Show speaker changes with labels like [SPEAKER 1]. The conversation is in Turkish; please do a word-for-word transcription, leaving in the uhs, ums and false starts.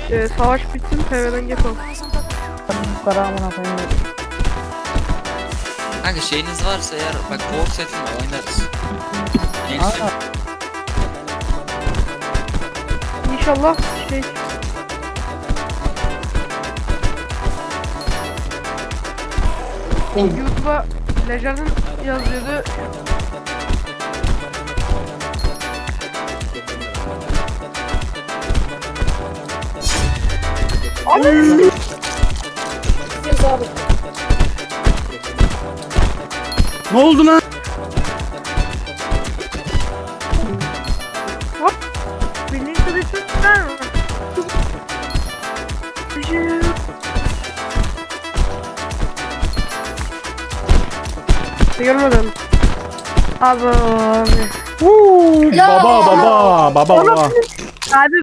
[SPEAKER 1] Ee, savaş bitsin, P V'den yapalım.
[SPEAKER 2] Kara amına koyayım.
[SPEAKER 3] Kanka şeyiniz varsa eğer bak Wolf setim var oynarız. Gelsin.
[SPEAKER 2] Aa.
[SPEAKER 1] İnşallah şey... YouTube'a Legend'ın yazıyordu. Abi.
[SPEAKER 4] Ne oldu lan?
[SPEAKER 1] Birliğin kılıçı tutar mı? Görmedim. Abi abi.
[SPEAKER 4] Huu, baba baba baba baba.
[SPEAKER 1] Abi